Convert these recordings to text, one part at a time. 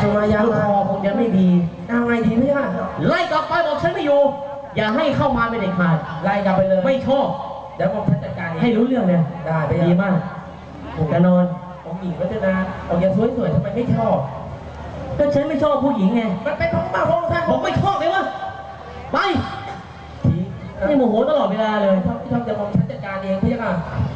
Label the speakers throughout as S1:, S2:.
S1: สุมายาคอคงจะไม่ดีเอาไงดีพี่ฮะ
S2: ไล่กลับไปบอกฉันไม่อยู่อย่าให้เข้ามาเป็นเด็ดขาด
S1: ไล่กลับไปเลย
S2: ไม่ชอบ
S1: เดี๋ยวผมจัดการ
S2: ให้รู้เรื่องเลย
S1: ได้ไป
S2: ดีมากจะนอน
S1: องหญิงรัตนาองค์ยังสวยๆทำไมไม่ชอบ
S2: ก็ฉันไม่ชอบผู้หญิงไง
S1: มันเป็นของมาของท่าน
S2: ผมไม่ชอบเลยวะไปนี่โมโหตลอดเวลาเลย
S1: ที่ทำจะมองฉันจัดการเองพี่ค่ะ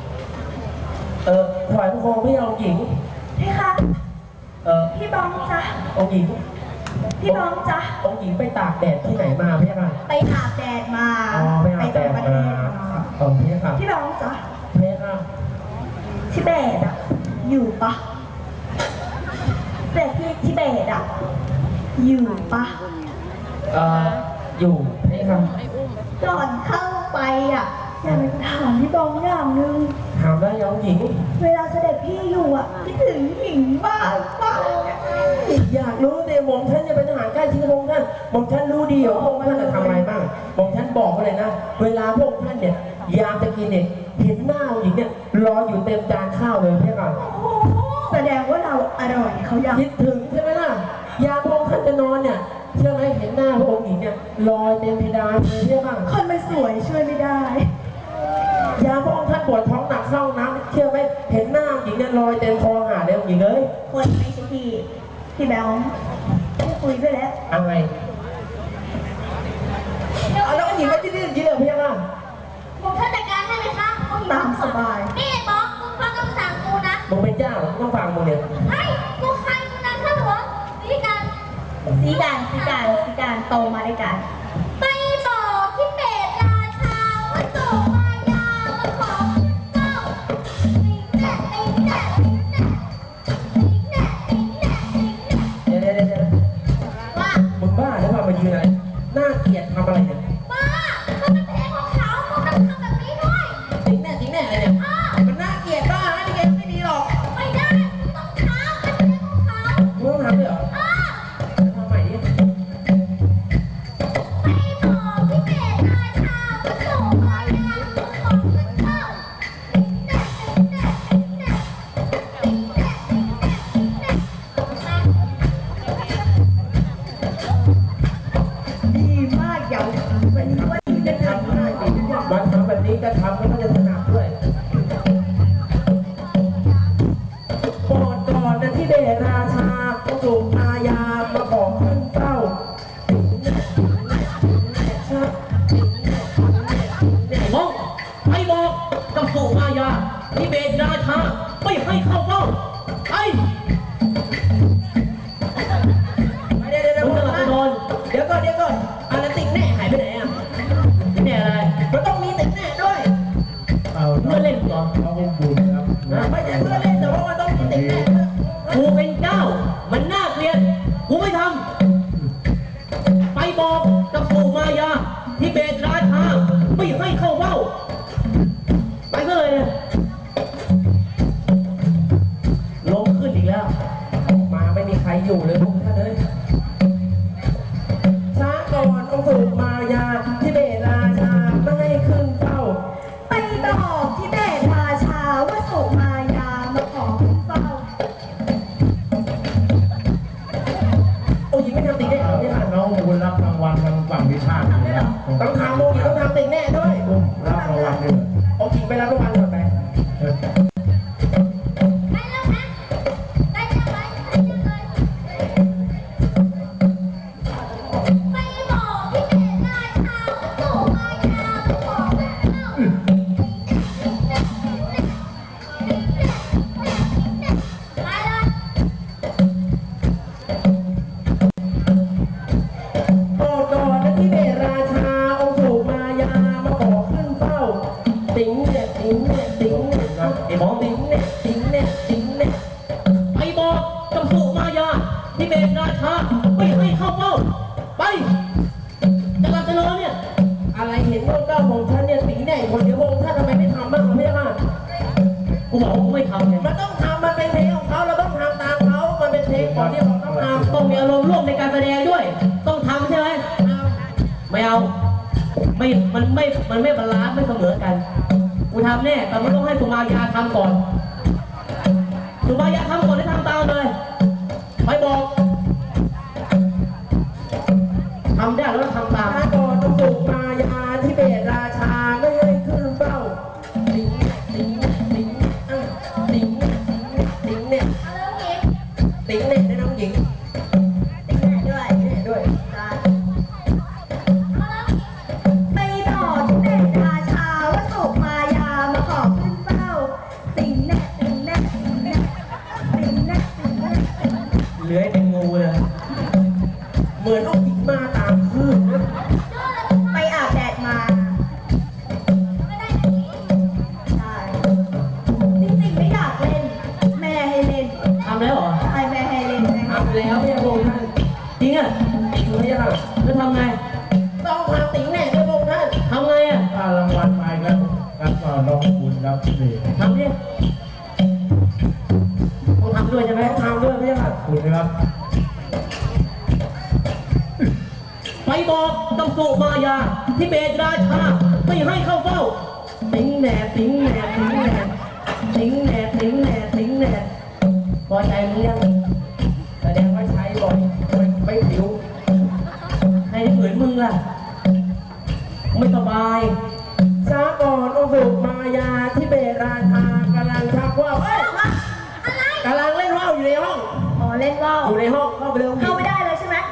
S1: ถวายพระโคมพี่องค์หญิง
S3: พี่คะพี่บองจ๊ะ
S1: องค์หญิง
S3: พี่บองจ๊ะ
S1: องค์หญิงไปตากแดดที่ไหนมาพี่ค่ะ
S3: ไปอาบแดดมา
S1: ไปอาบแดดมาพี่ค่ะ
S3: พี่บองจ๊ะ
S1: พี่ค่ะ
S3: ทิเบตอะอยู่ปะแต่พี่ทิเบตอะอยู่ปะ
S1: อยู่พี่ค่ะ
S3: ก่อนเข้าไปอะอยากถามพี่บองอย่างนึง
S1: ถามได้ยังหญิง
S3: เวลาเสด็จพี่อยู่อะคิดถึงหญิงบ้างบ้าง
S1: อยากรู้เนี่ยหม่อมท่านจะเป็นทหารใกล้ชิดพระองค์ท่านหม่อมท่านรู้ดีว่าพระองค์ท่านจะทำอะไรบ้างหม่อมท่านบอกเลยนะเวลาพระองค์ท่านเนี่ยยามจะกินเนี่ยเห็นหน้าหญิงเนี่ยรออยู่เต็มจานข้าวเลยพี่ก่อน
S3: แสดงว่าเราอร่อยเขายัง
S1: คิดถึงใช่ไหมล่ะยามพระองค์ท่านจะนอนเนี่ยเชื่อไหมเห็นหน้าพระองค์หญิงเนี่ยลอยเต็มเพดานเลยพี่ก่อน
S3: คนมันสวยช่วยไม่ได้
S1: ยามพระองค์ท่านปวดท้องหนักเข้าน้ำเชื่อไหมเห็นหน้าหญิงเนี่ยลอยเต็มคอหาเลยหญิงเลย
S3: คนไม่ใช่พี่แบลไม่คุยไปแล้ว
S1: เอาไงเอาแล้วหญิงไม่ได้ดื้อจีเลยพี่ก่อน
S4: ผมท่านจัดการให้ไหมคะ
S3: ตามสบาย
S4: นี่บอกมึงฟังคำสั่งกูนะ
S1: มึงเป็นเจ้าหรอต้องฟังมึงเนี่ย
S4: เฮ้ยกูใครมึงนะข้าหลวงสีการ
S3: โตมาด้วยกัน
S4: ไปบอกที่เบตราชาว่าโสมายามาขอเจ้าเ
S1: ว่ามึงบ้าหรือเปล่ามายืนอะไรน่าเกลียดทำอะไรเนี่ย
S4: บ้ามันเป็นเพลงของเขามึงต้องทำแบบนี้ด้วย
S1: จริงแน่อะไรเนี่ยมันน่าเกลียดบ้านะนี่แกไม่ดีหรอก
S4: ไม่ได้มึงต้องทำเป็นเพลงของเขา
S1: มึงต้องทำด้วยเหรอทำใหม่ดิ
S4: ไปบอกที่เบตราชาว่าโสมายามาขอเจ้า
S3: ดีมากอย่าวันนี้ว่า
S1: จะทำได้มาทำแบบนี้ก็ทำแล้วก็จะถนัดด้วยโปรดก่อนนะที่เบตราชาสุมายามาขอขึ้นเต้า
S2: มองไปบอกกับสุมายาที่เบตราชาไม่ให้เข้าเฝ้าไป
S1: เดี๋ยว
S2: มึงจะนอน
S1: เดี๋ยวก่อนอะไรติ๊กแน่หายไปไหนอ่ะ
S2: ติ๊กแน่อะไร
S1: มันต้องมีติ๊กแน่ด้วย
S2: เพื่อเล่นเหรอ
S1: เขาคงบุญครับไม่ใช่เพื่อเล่นแต่ว่ามันต้องมีติ๊กแน่
S2: กูเป็นเจ้ามันน่าเกลียดกูไม่ทำไปบอกกับสุมายาที่เบตราชาไม่ให้เข้าเฝ้าไปก็เลยลงขึ้นอีกแล้ว
S1: มาไม่มีใครอยู่เลยพวกท่านเลยช้าก่อนองค์สุมายาที่เบตราชาไม่ให้ขึ้นเฝ้า
S3: ไปบอกที่เบตราชาว่าโสมายามาขอขึ้นเฝ้า
S1: โอ้ยไม่ทำติ๊กแน่เหรอพี่ค่ะ
S5: น้องบุญรับรางวัลทางฝั่งวิชาติ
S1: ต้องทำโมกิต้องทำติ๊กแน่ด้วย
S5: รับรางวัลด้วย
S1: โอ้ยไปรับรางวัลก่อนไป
S4: ได้แล้วนะได้ยังไงไปบอกที่เบตราชาว่าโสมายามาขอเจ้าไปเลย
S1: โปรดก่อนนะที่เบตราชาองค์สุมายามาขอขึ้นเฝ้าติ๋งเนี่ยไอ้หมอติ๋งเนี่ย
S2: ไปบอกกับสุมายาที่เบตราชาไม่ให้เข้าเฝ้าไปจะกลับจะนอนเนี่ย
S1: อะไรเห็นว่าเก้าของฉันเนี่ยติ๋งแน่คนเดียวพงท่านทำไมไม่ทำบ้างพี่ค่ะ
S2: กูบอกว่ากูไม่ทำไง
S1: มันต้องทำมันเป็นเพลงของเขาเราต้องทำตามเขามันเป็นเพลงก่อนที่เราต้องทำ
S2: ต้องมีอารมณ์ร่วมในการแสดงด้วยต้องทำใช่ไหมไม่เอามันไม่บาลานซ์ไม่เสมอกันกูทำแน่แต่มันต้องให้สุมายาทำก่อนสุมายาทำก่อนให้ทำตามเลยไปบอก
S1: องหญิง
S3: ติดแม่ด้วย
S1: แน่ด้วย
S3: จ้าไปบอกที่เป็นราชาว่าถูกมายามาขอขึ้นเฝ้าสิงแน่สิงแน่สิงแน่สิงแน่สิงแน่สิงแน่
S2: เลื้อยเป็นงูเลย
S1: เหมือนองค์หญิงมาตามคลื่นนะ
S3: ไปอาบแดดมาใช่จริงๆไม่อยากเล่น แม่ให้เล่น
S2: ทำแล้วเหรอ
S3: ใช่แม่ให้เล่นแม่ให้
S1: ทำแล้วเนี่ยพระองค์ท่าน
S2: จริงอ่ะ
S1: จริงไหมล่ะ
S2: แล้วทำไง
S1: ต้องทำติ๋งแน่ด้วยพระองค์ท่าน
S2: ทำไงอ่ะ
S5: ถ้ารางวัลไปครับรับต่อน้องคุณครับนี่
S2: ทำดิต้องทำด้วยใช่ไหม
S1: ต้องทำด้วยไหมล่ะ
S5: คุณนะครับ
S2: ไปบอกกับสุมายาที่เบตราชาไม่ให้เข้าเฝ้า
S1: ติ๋งแน่ติ๋งแน่ติ๋งแน่ติ๋งแน่ติ๋งแน่ติ๋งแน่พอใจมึงยังแสดงว่าใช้บ่อยไม่ผิว
S2: ให้ได้เหมือนมึงล่ะ ไม่สบาย
S1: ช้าก่อนองค์สุมายาที่เบตราชากำลังชักว่าวเอ้ยกำลังเล่นว่าวอยู่ในห้อง
S3: อ๋อเล่นว่าว
S1: อยู่ในห้องเข้าไปเร็ว
S3: เข้าไม่ได้เลยใช่ไหม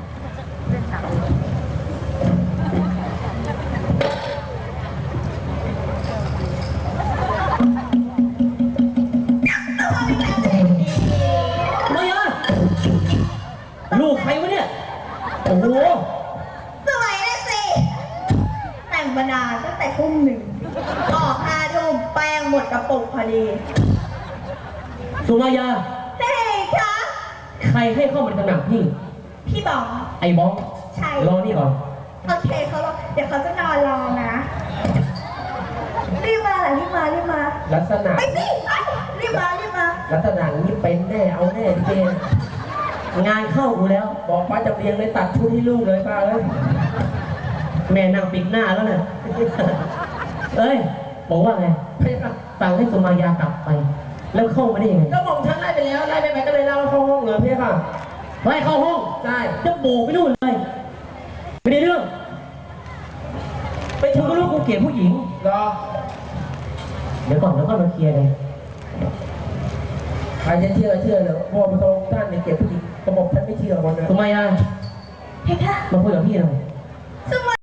S2: ไม่อะลูกใครวะเนี่ย โอ้โห
S3: สวยเลยสิ แต่งมานานตั้งแต่ทุ่ม 1ออก5 ทุ่มแป้งหมดกระปุกพอดี
S2: สุมายา
S3: เฮ้ยคะ
S2: ใครให้เข้ามาในตำหนักพี่
S3: พี่บอก
S2: ไอ้บ้อง
S3: ใช่
S2: รอนี่ก่อน
S3: โอเคเขารอเดี๋ยวเขาจะนอนรอนะ รีบมาแหละรีบมารีบมา
S1: ลักษณะ
S3: ไปสิไปรีบมารีบมา
S1: ลักษณะนี้เป็นแน่เอาแน่เจน
S2: งานเข้ากูแล้ว
S1: บอกป้าจะเรียงเลยตัดชุดให้ลูกเลยป้าเลย
S2: แม่นั่งปิดหน้าแล้วเนี่ย เอ้ย บอกว่าไง
S1: ไม่ครับ
S2: สั่งให้สุมายากลับไป แล้วเข้ามาได้ยังไง
S1: ก็บอกฉันไล่ไปแล้วไล่ไปไหนก็เลยเล่าเข้าห้องเลยพี่ค่ะ
S2: ไล่เข้าห้อง
S1: ใช่
S2: จะโบกไปนู่นเลย ไม่ได้เรื่อง
S1: ไป
S2: กูก็รู้กูเกลียดผู้หญิง
S1: รอ
S2: เดี๋ยวก่อนแล้วก็มาเคลียร์เลย
S1: ใครจะเชื่อเชื่อเลยพ่อพระองค์ท่านเนี่ยเก็บผู้หญิงกระบอกฉันไม่เชื่อคนเลย
S2: สุมายา
S3: เฮ้ยค่ะ
S2: มาคุยกับพี่หน่อย
S3: สมัย